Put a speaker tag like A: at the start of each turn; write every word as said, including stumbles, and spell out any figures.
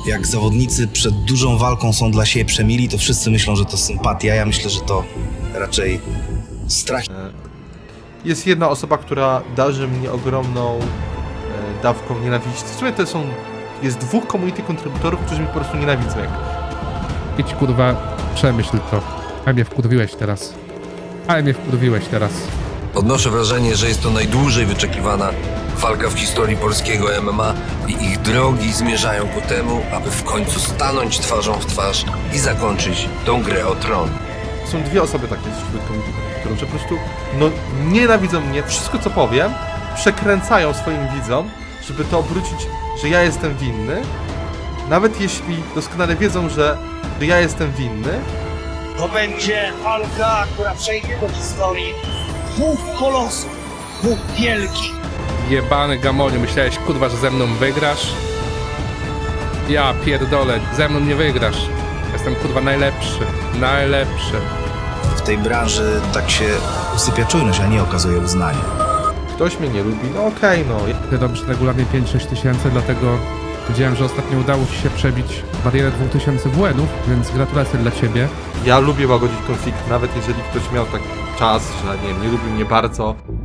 A: Jak zawodnicy przed dużą walką są dla siebie przemili, to wszyscy myślą, że to sympatia. Ja myślę, że to raczej strach.
B: Jest jedna osoba, która darzy mnie ogromną e, dawką nienawiści. W sumie to są... Jest dwóch community kontrybutorów, którzy mnie po prostu nienawidzą. Jak...
C: Idź kurwa, przemyśl to. Ale mnie wkurwiłeś teraz. Ale mnie wkurwiłeś teraz.
D: Odnoszę wrażenie, że jest to najdłużej wyczekiwana walka w historii polskiego M M A i ich drogi zmierzają ku temu, aby w końcu stanąć twarzą w twarz i zakończyć tą grę o tron.
B: Są dwie osoby takie wśród community kontrybutorów, że po prostu no, nienawidzą mnie. Wszystko, co powiem, przekręcają swoim widzom, żeby to obrócić, że ja jestem winny. Nawet jeśli doskonale wiedzą, że że ja jestem winny.
E: To będzie walka, która przejdzie do historii dwóch kolosów, dwóch wielkich.
C: Jebany Gamoniu, myślałeś kurwa, że ze mną wygrasz? Ja pierdolę, ze mną nie wygrasz. Jestem kurwa najlepszy, najlepszy.
A: W tej branży tak się usypia czujność, a nie okazuje uznanie.
B: Ktoś mnie nie lubi, no okej, okay, no.
C: Ty robisz regularnie pięć sześć tysięcy, dlatego wiedziałem, że ostatnio udało ci się przebić barierę dwóch tysięcy W N-ów, więc gratulacje dla ciebie.
B: Ja lubię łagodzić konflikt, nawet jeżeli ktoś miał taki czas, że nie wiem, nie lubił mnie bardzo.